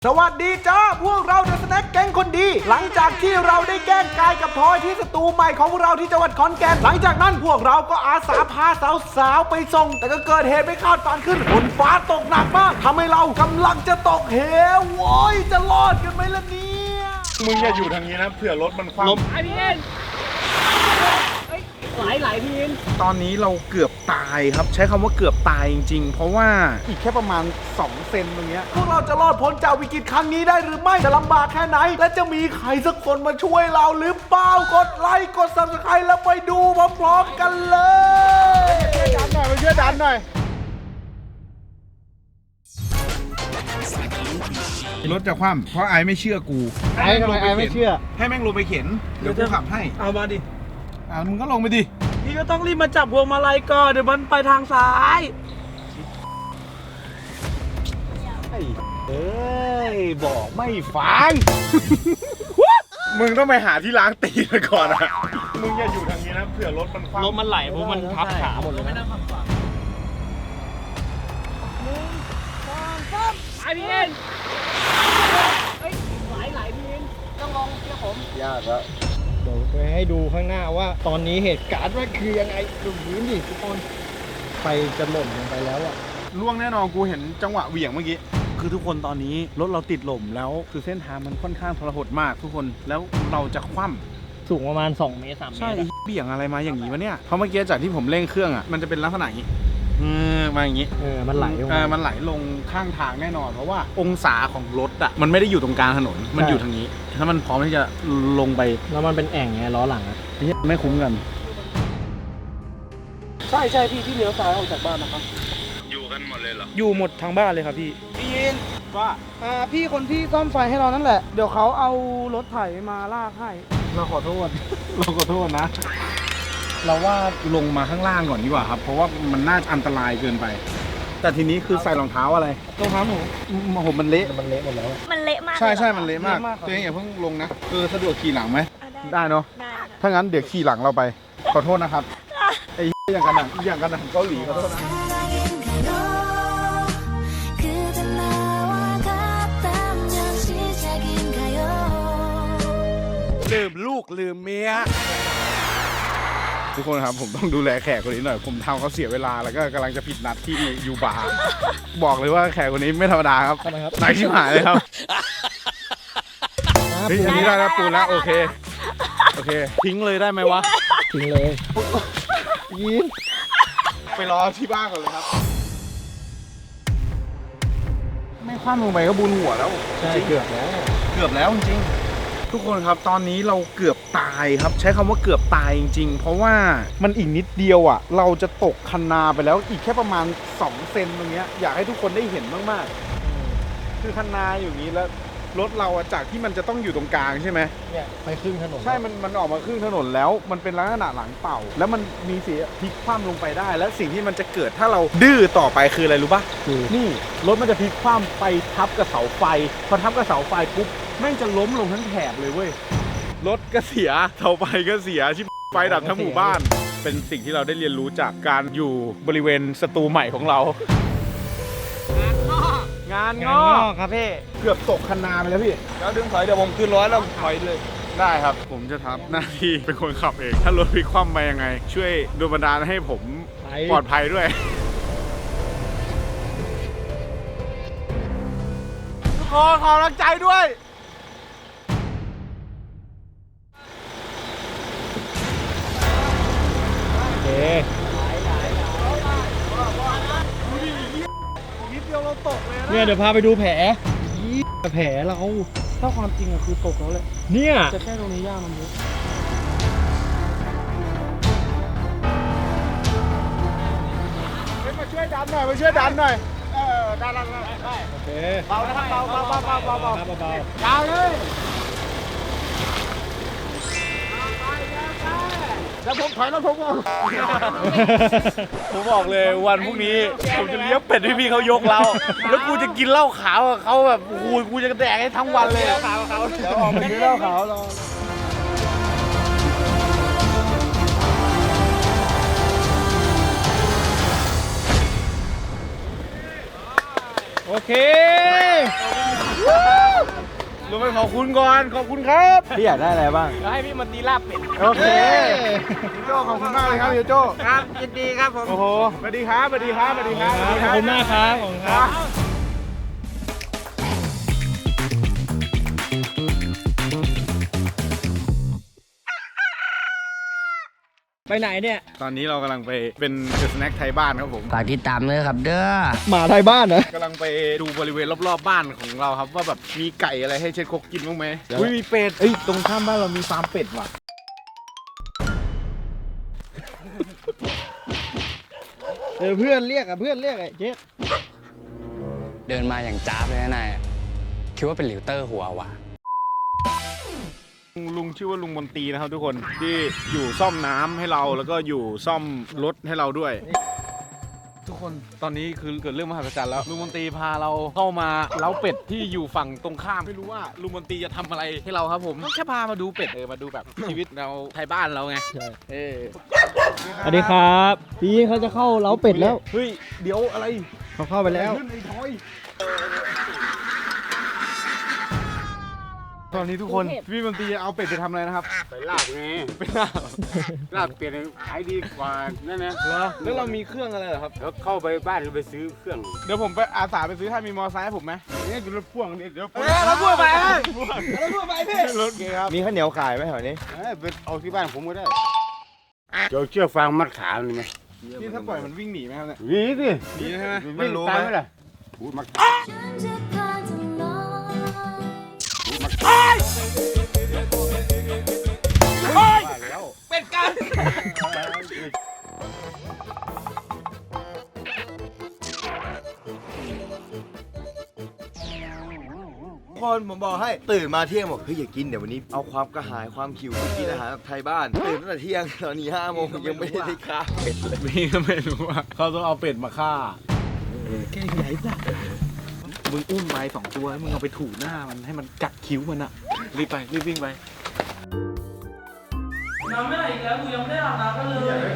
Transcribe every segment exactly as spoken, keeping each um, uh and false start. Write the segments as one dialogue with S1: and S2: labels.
S1: สวัสดีจ้าพวกเราเดอะสแน็คแก๊งคนดีหลังจากที่เราได้แกล้งกายกับทอยที่สตูใหม่ของเราที่จังหวัดขอนแก่นหลังจากนั้นพวกเราก็อาสาพาสาวๆไปส่งแต่ก็เกิดเหตุไม่คาดฝันขึ้นฝนฟ้าตกหนักมากทำให้เรากำลังจะตกเหวโว้ยจะรอดกันไหมล่ะเนี่ย
S2: มึงอย่าอยู่ทางนี้นะเผื่อรถมันคว่ำ
S3: ไอพี่เอ็นไหลไหลพี่เอ็น
S1: ตอนนี้เราเกือบตายครับใช้คำว่าเกือบตายจริงๆเพราะว่าอีกแค่ประมาณสองเซนตรงเนี้ยพวกเราจะรอดพ้นจากวิกฤตครั้งนี้ได้หรือไม่จะลำบากแค่ไหนและจะมีใครสักคนมาช่วยเราหรือเปล่ากดไลค์กด ซับสไครบ์ แล้วไปดูพร้อมๆกันเลย
S2: ช่วยดันหน่อยมาช่วยดันหน่อยรถจะคว่ำเพราะไอไม่เชื่อกู
S1: ไอ้ทำไมไอ้ไม่เชื่อ
S2: ให้แม่งลงไปเข็นเดี๋ยวกูขับให้
S3: เอามาดิ
S2: อ่ามึงก็ลงไปดิ
S3: พี่ก็ต้องรีบมาจับพวงมาลัยก่อนเดี๋ยวมันไปทางซ้าย
S1: เอ้ยบอกไม่ฟัง
S2: มึงต้องไปหาที่ล้างตีนก่อนอะมึงอย่าอยู่ทางนี้นะเผื่อรถมันคว่ำ
S3: รถมันไหลเพราะมันทับขาหมดเลยนะไอพี่เอ็นเฮ้ยไหลไหลพี่เอ็นต้องลองเชื่อผม
S1: ยากแล้ว
S3: เดี๋ยวไปให้ดูข้างหน้าว่าตอนนี้เหตุการณ์ว่าคือยังไงดูพื้นดิทุกคนไฟจะหล่นลงไปแล้วอะ
S2: ล่วงแน่นอนกูเห็นจังหวะเหวี่ยงเมื่อกี้
S1: คือทุกคนตอนนี้รถเราติดหล่มแล้วคือเส้นทางมันค่อนข้างทรหดมากทุกคนแล้วเราจะคว่ำ
S3: สูงประมาณสองเมตรสามเมตร
S1: ใช่เบี่ยงอะไรมาอย่างนี้วะเนี่ยเพราะเมื่อกี้จากที่ผมเร่งเครื่องอ่ะมันจะเป็นลักษณะอย่างนี้เออมาอย่างนี้
S3: เออมันไหลลง
S1: เออมันไหลลงข้างทางแน่นอนเพราะว่าองศาของรถอ่ะมันไม่ได้อยู่ตรงกลางถนนมันอยู่ทางนี้ถ้ามันพร้อมที่จะลงไป
S3: แล้วมันเป็นแอ่งไงล้อหลังอ่ะ
S1: ไม่คุ้มกัน
S3: ใช่ใช่พี่ที่เลี้ยวซ้ายออกจากบ้านนะครับ
S2: อยู่กันหมดเลยเหรอ
S3: อยู่หมดทางบ้านเลยครับพี่
S1: พี่ยินว่า
S3: อ่าพี่คนที่ซ่อมไฟให้เรานั่นแหละเดี๋ยวเขาเอารถไถมาลากให้
S1: เราขอโทษเราขอโทษนะเราว่าลงมาข้างล่างก่อนดีกว่าครับเพราะว่ามันน่าอันตรายเกินไปแต่ทีนี้คือใส่รองเท้าอะไร
S3: รองเท้าหนู
S1: ผมมันเละ
S3: มันเละหมดแล้ว
S4: มันเละมาก
S1: ใช่ใช่มันเละมากตัวเองอย่าเพิ่งลงนะเออสะดวกขี่หลังไหมได้เนาะถ้างั้นเดี๋ยวขี่หลังเราไปขอโทษนะครับไอ้อย่างกันหนังอย่างกันหนังเกาหลีขอโทษนะลืมลูกลืมเมียทุกคนครับผมต้องดูแลแขกคนนี้หน่อยผมทำเขาเสียเวลาแล้วก็กำลังจะผิดนัดที่ยูบาร์บอกเลยว่าแขกคนนี้ไม่ธรรมดาครับ
S3: ทำไมครับ
S1: นายชิบหายเลยครับเฮ้ยอันนี้ได้แล้วปูนแล้วโอเคโอเคทิ้งเลยได้ไหมวะ
S3: ทิ้งเลยยิน
S1: ไปรอที่บ้านก่อนเลยครับไม่คว่ำลงไปก็บุญหัวแล้ว
S3: ใช่เกือบแล้ว
S1: เกือบแล้วจริงทุกคนครับตอนนี้เราเกือบตายครับใช้คำว่าเกือบตายจริงๆเพราะว่ามันอีกนิดเดียวอ่ะเราจะตกคันนาไปแล้วอีกแค่ประมาณสองเซนตรงเนี้ยอยากให้ทุกคนได้เห็นมากๆคือคันนาอยู่นี้แล้วรถเราจากที่มันจะต้องอยู่ตรงกลางใช่ไหม
S3: เนี่ยไปครึ่งถนน
S1: ใช่มันมันออกมาครึ่งถนนแล้วมันเป็นลักษณะหลังเป่าแล้วมันมีเสียพลิกคว่ำลงไปได้และสิ่งที่มันจะเกิดถ้าเราดื้อต่อไปคืออะไรรู้ป่ะคือนี่รถมันจะพลิกคว่ำไปทับกับเสาไฟพอทับกับเสาไฟปุ๊บแม่งจะล้มลงทั้งแถบเลยเว้ยรถก็เสียเสาไฟก็เสียชิบไฟดับทั้งหมู่บ้านเป็นสิ่งที่เราได้เรียนรู้จากการอยู่บริเวณสตูใหม่ของเรางานงอก
S3: ครับพี่
S1: เกือบตกคันนาไปแล้วพี่แล้วดึงถอยเดี๋ยวผมขึ้นรถแล้วถอยเลยได้ครับผมจะทำหน้าที่เป็นคนขับเองถ้ารถพลิกคว่ำไปยังไงช่วยดูบันดาลให้ผมปลอดภัยด้วยทุกคนขอกำลังใจด้วย
S3: โอเคเนี่ยเดี๋ยวพาไปดูแผลแผลเราถ้าความจริงอะคือตกแล้วแหละเนี่ยจะแค่ตรงนี้ย่ามันเยอะ
S1: มาช่วยดันหน่อยมาช่วยดันหน่อยเออดันดันได้
S3: โอเค
S1: เบานะครับเบาเบาเบาเบาเบาเบา
S3: เบา
S1: ยาวเลยแล้วผมถอยแล้วผมบอกผมบอกเลยวันพรุ่งนี้ผมจะเลี้ยงเป็ดให้พี่เขายกเราแล้วกูจะกินเหล้าขาวกับเขาแบบโอ้ยกูจะแดกให้ทั้งวันเลยเหล้าขาวเขาเดี๋ยวออกไปกินเหล้าขาวรอโอ
S3: โอเค
S2: ลงไปขอบคุณก่อน ขอบคุณครับ
S1: พี่อยากได้อะไรบ้าง
S3: แล้วให้พี่มาตีลาบเป็ด
S2: โอเคพี่โจ้ขอบคุณมากเลยครับพี่โจ้
S3: ครับยินดีครับผม
S2: โอ้โหสวัสดีครับสวัสดีครับสวัสดีครับ
S3: ขอบคุณมากครับขอบคุณครับ ไปไหนเนี่ย
S2: ตอนนี้เรากำลังไปเป็นสแน็คไทยบ้านครับผม
S4: ฝากติดตามเลยครับเด้อ
S3: หมาไทยบ้านนะ
S2: กำลังไปดูบริเวณรอบๆบ้านของเราครับว่าแบบมีไก่อะไรให้เช็ดคกกินบ้างไหมอุ้ยมีเป็ด
S1: เอ้ยตรงข้ามบ้านเรามีฟาร์มเป็ดว่ะ
S3: เออเพื่อนเรียกอะเพื่อนเรียกไอ้เจ๊
S4: เดินมาอย่างจ้าบเลยนะนายคิดว่าเป็นหลิวเตอร์หัววะ
S2: ลุงชื่อว่าลุงมนตรีนะครับทุกคนที่อยู่ซ่อมน้ำให้เราแล้วก็อยู่ซ่อมรถให้เราด้วย ทุกคนตอนนี้คือเกิดเรื่องมหัศจรรย์แล้วลุงมนตรีพาเราเข้ามาเล้าเป็ดที่อยู่ฝั่งตรงข้ามไม่รู้ว่าลุงมนตรีจะทำอะไรให้เราครับผมแค่พามาดูเป็ดเออมาดูแบบ ชีวิตเราไทยบ้านเราไง
S3: ใช่
S2: เออ
S3: สวัสดีครับพี่เขาจะเข้าเล้าเป็ดแล้ว
S2: เฮ้ยเดี๋ยวอะไร
S3: เขาเข้าไปแล้ว
S2: ขึ้นไอ้ทอยตอนนี้ทุกคนพี่มนตรีจะเอาเป็ดไปทำอะไรนะครับ
S5: ไปลาบไง
S2: ไปลาบ
S5: ลาบเปลี่ยนขายดีกว่านั่นนะ
S2: เหรอแล้วเรามีเครื่องอะไรเหรอครับ
S5: แล้วเข้าไปบ้านก็ไปซื้อเครื่อง
S2: เดี๋ยวผมไปอาสาไปซื้อถ้ามีมอเตอร์ไซค์ให้ผมไหมนี่อยู่รถพ่วงนี่เดี๋ยว
S1: รถพ่วงไป
S2: พ่วง
S1: รถพ่วงไปพี่
S2: รถเกครับ
S1: มีข้าวเหนียวขายไหมแถวนี้
S5: เอ้ยไปเอาที่บ้านผมก็ได้เดี๋ยวเชือกฟางมัดขามันไหม
S2: นี่ถ้าปล่อยมันวิ่งหนีไหมครับเนี่ย
S5: หนีสิ
S2: หนีใช่ไหม
S5: วิ่งตามไหมล่ะพูดมาพูดมา
S1: เป็ดกัน คนผมบอกให้ตื่นมาเที่ยงบอกเฮ้ยอย่ากินเดี๋ยววันนี้เอาความกระหายความหิวไปกินอาหารแบบไทยบ้านตื่นตั้งแต่เที่ยงตอนนี้ห้าโมงยังไม่ได้ข้าวเป็ดเลย
S2: พี่ก็ไม่รู้ว่าเขาต้องเอาเป็ดมาฆ่า
S1: แค่ใหญ่จ้ะมึงอุ้มไปสองตัวมึงเอาไปถูหน้ามันให้มันกัดคิ้วมันอะ
S2: รีบไปรีบวิ่งไป
S3: น้ำไม่ไหลอีกแล้วกูยังไม่ได้อาบน้ำกันเลย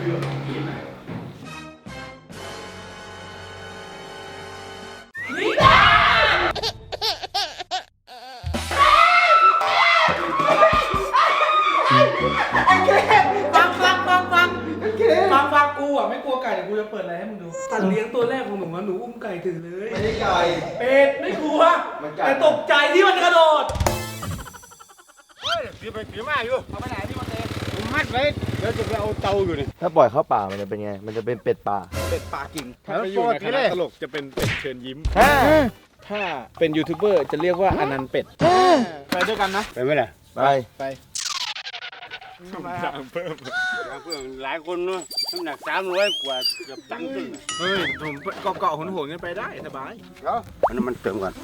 S3: ฟังฟังฟังฟังฟังฟังกูอ่ะไม่กลัวไก่แต่กูจะเปิดอะไรให้มึงดูสัตว์เลี้ยงตัวแรกของหนูอะหนูอุ้มไก่ถือเลย
S1: ไม่ได้ไก่
S3: เป็ดไม่กลัว
S1: มันไก่
S3: แต่ตกใจที่มันกระโดด
S5: ถือไปถือมาอยู่
S3: เอาไปไหนพี่มาเต้
S5: ผมมัดไว้แล้วจะไปเอาเตาอยู่นี่
S1: ถ้าปล่อยเข้าป่ามันจะเป็นไงมันจะเป็นเป็ดป่า
S2: เป็ดปากกิ่งถ้าไปอยู่ในคณะตลกจะเป็นเป็ดเชิญยิ้ม
S1: ฮ่า
S2: ถ้าเป็นยูทูบเบอร์จะเรียกว่าอนันต์เป็ดไปด้วยกันนะ
S5: ไปไหมล่ะ
S1: ไป
S2: ไปทำไมครับเพิ่ม
S5: เพื่อนหลายคนเนาะน้ำหนักสามร้อยกว่าเกือบตันครึ่ง
S2: เฮ้ยผมเกาะเกาะหนหนกันไปได้สบาย
S5: แล้วอันนั้นมันเติมก่อน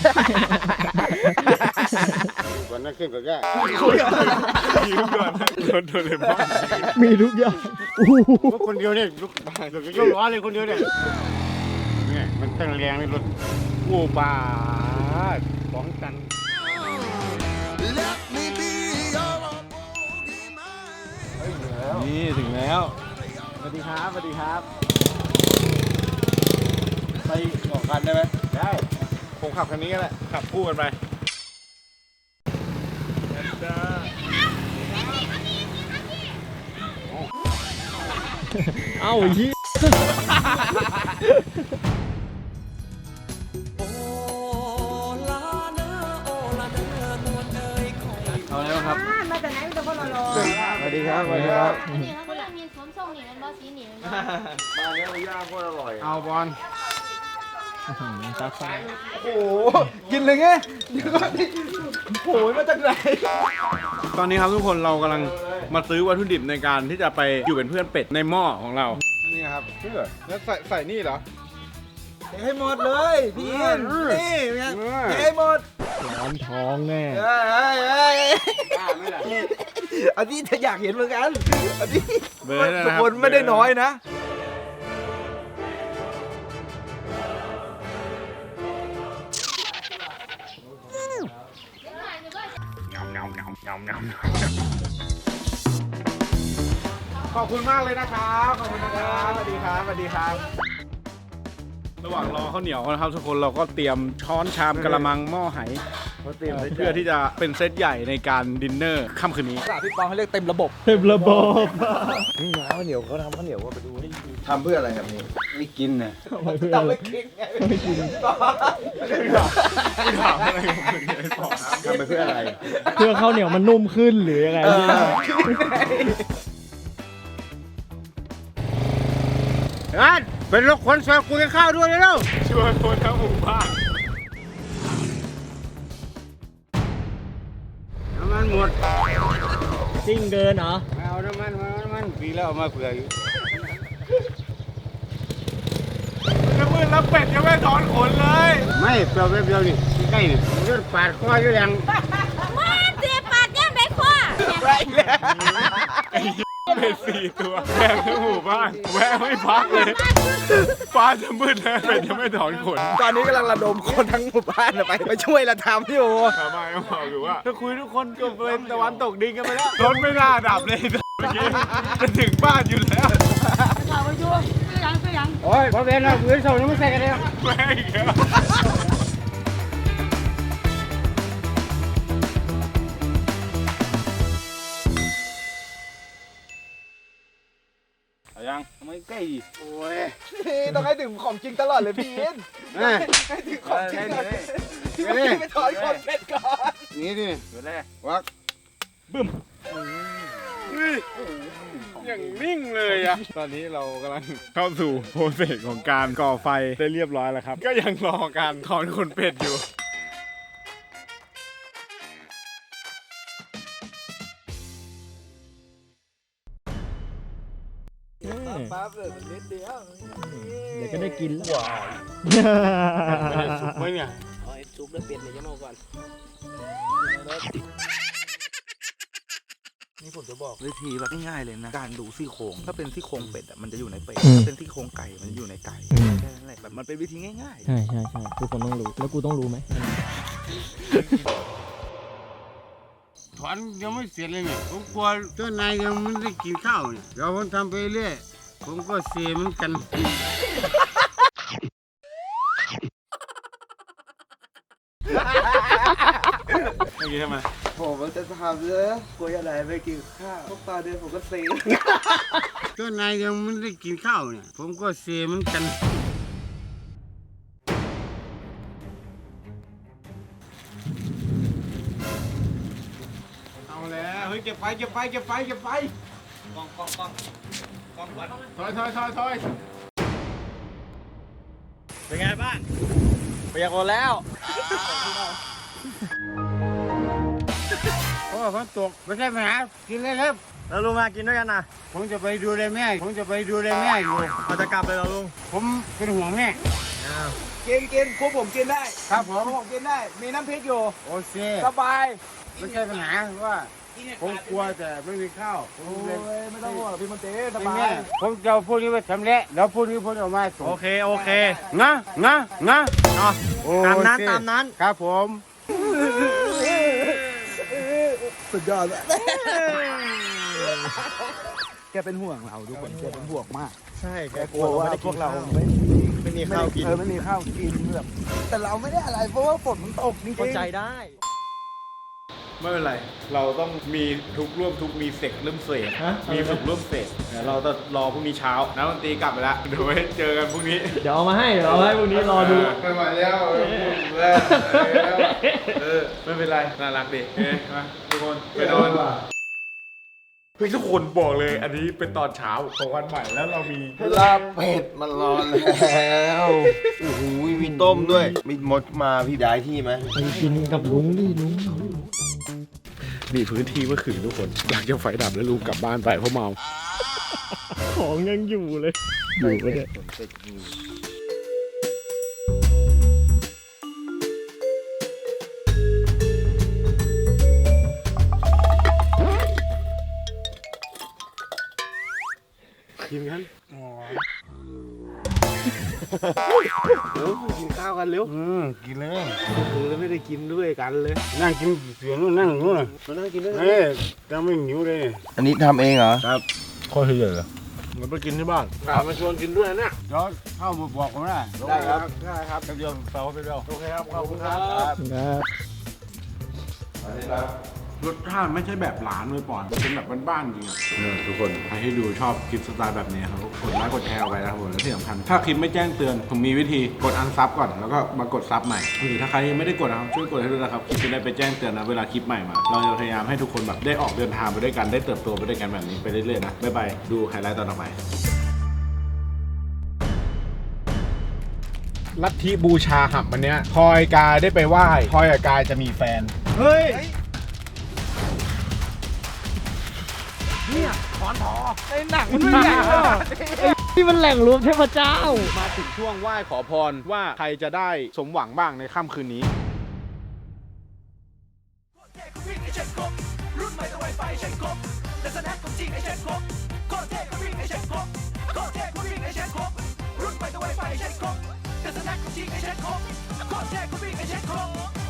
S5: ก่อนนั่นขึ้นก็ได้
S2: ยิ้มก่อนรถโดนเลยบ้าง
S3: มีทุกอย่าง
S5: รถคนเดียวเนี่ยรถรถยกล้อเลยคนเดียวเนี่ยเนี่ยมันตั้งแรงในรถโอ้ปาสองตัน
S2: นี่ถึงแล้วสวัสดีครับสวัสดีครับไปออกกันได้ไหมได้ผมขับคันนี้ก็ได้ขับคู่กันไป
S3: เอ้ายี่
S2: เอาอะไรบ้างครับ
S6: มาจากไหนมีแต่คนรอ
S1: สวัสดีครับสวัสดีครับ
S6: อันนี้เขาก็เรียกมีสวมทรงนี่มันบอสีนี่มันบ่
S1: บ้านนี้เราย่างโคตรอร่อย
S2: เอาบอล
S3: ตาไฟ
S1: โอ้โหกินเลยไงเดี๋ยวก่อนดิโผล่มาจากไหน
S2: ตอนนี้ครับทุกคนเรากำลังมาซื้อวัตถุดิบในการที่จะไปอยู่เป็นเพื่อนเป็ดในหม้อของเรานี่ครับเพื่อแล้วใส่ใส่นี่เหรอ
S1: ให้หมดเลยพี่อินนี่ไงให้หมด
S3: ร้อนท้องแน่
S1: เฮ้ยเฮ้ยเฮ้ยอันนี้ถ้าอยากเห็นเหมือนกันอันนี้
S2: เบอร์นะ
S1: ทุ
S2: ค
S1: ก
S2: รับ
S1: คนไม่ได้น้อยนะ
S2: ขอบคุณมากเลยนะครับขอบคุณนะครับสวัสดีครับสวัสดีครับระหว่างรอข้าวเหนียวนะครับทุกคนเราก็เตรียมช้อนชามกระมังหม้อไหเพื่อที่จะเป็นเซตใหญ่ในการดินเนอร์ค่ำคืนนี้
S1: พี่ปองเขาเรียกเต็มระบบ
S3: เต็มระบบ
S1: ข้าวเหนียวเขาทำข้าวเหนียวว่าไปดูให้
S5: ทำเพื่ออะไรครับนี่
S2: ไม่กินนะ
S3: ไม่เพื่ออะไรไม่กิน
S2: ถามอะไรกันเนี่ยบอก
S5: ทำไปเพื่ออะไร
S3: เพื่อข้าวเหนียวมันนุ่มขึ้นหรือยังไงพี่
S5: งั้นเป็นรถขนซอยกูจะข้าวด้วยแล้ว
S2: ช่วยคนทั้งหมู่บ้าน
S5: น้ำมันหมด
S3: ซิ่งเกินเหรอ
S5: ไม่เอาน้ำมันไม่เอาน้ำมันปีแล้วเอามาเผื่ออยู่
S2: จะมืดแล้วเป็ดยังไม่ถอนขนเลย
S5: ไม่เปล่าแป๊บเดียวนี่ใกล้นี่มันก็ปาดคออยู่อย่าง
S6: มันเจ็บปาดย่ำไปคว้า
S2: เป็ดสี่ตัวแวะทั้งหมู่บ้านแวะไม่พักเลยฟ้าจะมืดแล้วเป็ดยังไม่ถอนขน
S1: ตอนนี้กำลังระดมคนทั้งหมู่บ้านไปไปช่วยระทำอยู่
S2: ทำไมต้องบอกอยู่ว่าถ้าคุยทุกคนก็เป็นตะวันตกดินกันไปแล้วรถไม่น่าดับเลยเมื่อกี้จะถึงบ้านอยู่แล้ว
S5: โอ้ยพอเวนเราเงินส่งยังไม่ใส่กันเลย
S2: แม่งเหรอเอายังทำไมใกล้ดิ
S5: โอ้ย
S1: ต้องให้ถึงของจริงตลอดเลยพี่อิน
S5: นี่
S1: ให้ถึงของจริงก่อน
S5: นี่
S1: ไปถอนคนเป็ดก่อน
S5: นี่ดิ
S2: เดี๋ยวแรก
S5: วัก
S2: อย่างนิ่งเลยอะตอนนี้เรากำลังเข้าสู่โปรเซสของการก่อไฟได้เรียบร้อยแล้วครับ ก็ยังรอการถอนขนเป็ดอยู่
S1: ปั๊บเลยมันนิดเดียว
S3: เดี๋ยวก็ได้กินแล้ว
S2: สุกไหมเนี่ย
S1: เอาไอ้ซุปแล้วเป็ดเนี่ยยังเอาก่อนนี่ผมจะบอกวิธีแบบง่ายๆเลยนะการดูซี่โครงถ้าเป็นซี่โครงเป็ดอ่ะมันจะอยู่ในเป็ดถ้าเป็นซี่โครงไก่มันจะอยู่ในไก่แค่นั้นแหละแบบมันเป็นวิธีง่ายๆ
S3: ใช่ใช่ใช่ทุกคนต้องรู้ แล้วกูต้องรู้ไหม
S5: ถอนยังไม่เสร็จเลยเนี่ยผมกลัวเจ้านายยังไม่ได้กินข้าวเนี่ยเดี๋ยวผมทำไปเรื่อยผมก็เสียเหมือนกัน
S2: เมื่อกี้ทำไม
S1: ผมมันจะทำเลยกลัวอะไรไม่กินข้าวพวกตาเดียวผมก็เซ็ง
S5: เจ้านายยังไม่ได้กินข้าวเนี่ยผมก็เสียเหมือนกัน
S2: เอาแล้วเฮ้ยเก็บไฟเก็บไฟเก็บไฟเก็บไฟกองกองกองกองวัดถอยถอยถอยถอย
S3: เป็นไงบ้างเปียกหมดแล้ว
S5: โอ้ฝนตกไม่ใช่ปัญหากินเลยครับ
S3: แล้วลุงมากินด้วยกันนะ
S5: ผมจะไปดูแลแม่ผมจะไปดูแลแม่อยู่
S3: เราจะกลับเลยเหรอลุง
S5: ผมเป็นห่วงแม่
S1: กินกินพวกผมกินได้
S5: ครับผม
S1: พวกผมกินได้มีน้ำพริกอยู่
S5: โอเค
S1: สบาย
S5: ไม่ใช่ปัญหาว่าผมกลัวแต่ไม่มีข้าวผม
S1: โอ้
S5: เลย
S1: ยไม่ต้องห่วงหรอกพี่มนตรีส
S5: ไม่
S1: บา
S5: แม่
S1: ย
S5: ผมจะเอาพวกนี้ไปทำแล้วแล้วพวกนี้ผมจะเอามาส่ง
S3: โอเค โอเค
S5: งะงะงะ
S3: เนาะ
S5: โอ
S3: ตามนั้น
S5: เค
S3: ตามนั้น
S5: ครับผม
S1: สุดยอดเลยแกเป็นห่วงเราทุกคนแกเป็นห่วงมาก
S3: ใช่แก
S1: แกกลัวว่าพวกเราไม่
S3: ไม่มีข้าวกิน
S1: เออไม่มีข้าวกินแบบแต่เราไม่ได้อะไรเพราะว่าฝนมันตกจริงๆ
S3: เข้าใจได้
S2: ไม่เป็นไร เราต้องมีทุกร่วมทุกมีเสกเริ่มเสก
S3: ฮะ
S2: มีสุกร่วมเสกเดี๋ยวเราจะรอพรุ่งนี้เช้านักดนตรีกลับไปแล้วเดี๋ยวไว้เจอกันพรุ่งนี้
S3: เดี๋ยวเอามาให้ เดี๋ยวเอามาให้พวกนี้รอดู
S2: ไม่ไหวแล้วแล้วเออไม่เป็นไรน่ารักดีเฮ้ยมาทุกคนไปนอนเฮ้ยทุกคนบอกเลย อันนี้เป็นตอนเช้าของวันใหม่แล้วเรามี
S7: ลาบเป็ดมันรอแล้วโอ้โหมีต้มด้วย มีมดมาพี่ได้ที่ไหม
S3: ไปกินกับลุงดิลุง
S2: นี่พื้นที่เมื่อคืนทุกคนอยากจะไฟดับแล้วลุงกลับบ้านไปเพราะเมา
S3: ของยังอยู่เลย อยู่ไปเนี่ย
S2: กินกัน
S1: เร็วกินข้าวกันเร็ว
S5: อืมกินเลย
S1: คือแล้วไม่ได้กินด้วยกันเลย
S5: นั่งกินเสียงนู่นนั่งนู่นน่ะ
S1: มานั่งกินด้วยกัน
S5: เฮ้ยจะไม่หิวเลย
S7: อันนี้ทำเองเหรอ
S5: ข้อที่เหลือ
S3: มันไปกินที่บ้าน
S5: มาชวนกินด้วยเนี่ยเดี๋ยวเข้ามาบอกผมนะ
S7: ได้ครับ
S5: ได้ครับเดี๋ยวเปล่าไปเดียวโอเคครับขอบคุณครับ
S3: ครับ
S2: รสชาติไม่ใช่แบบร้านเลยป่อนเป็นแบบบ้านๆจริงอ่ะเนี่ยทุกคนใครที่ดูชอบคลิปสไตล์แบบนี้ครับกดไลค์กดแชร์เอาไว้นะครับผมและที่สำคัญถ้าคลิปไม่แจ้งเตือนผมมีวิธีกดอันซับก่อนแล้วก็มากดซับใหม่หรือถ้าใครยังไม่ได้กดนะครับช่วยกดให้ด้วยนะครับคลิปจะได้ไปแจ้งเตือนนะเวลาคลิปใหม่มาเราจะพยายามให้ทุกคนแบบได้ออกเดินทางไปด้วยกันได้เติบโตไปด้วยกันแบบนี้ไปเรื่อยๆนะบ๊ายบายดูไฮไลท์ตอนต่อไปลัทธิบูชาหับวันเนี้ยพลอยกายได้ไปไหว้พลอยกับกายจะมีแฟนเฮ้ย
S3: ที่มันแหล่งรวมเทพเจ้า
S2: มาถึงช่วงไหว้ขอพรว่าใครจะได้สมหวังบ้างในค่ำคืนนี้
S8: รุ่นใหม่ต้องไวไฟใช้ครบแต่สแน็คของจริงไอ้เช็คครบโคตรเท่ก็วิ่งไอ้เช็คครบโคตรเท่ก็วิ่งไอ้เช็คครบรุ่นใหม่ต้องไวไฟใช้ครบแต่สแน็คของจริงไอ้เช็คครบโคตรเท่ก็วิ่งไอ้เช็คครบ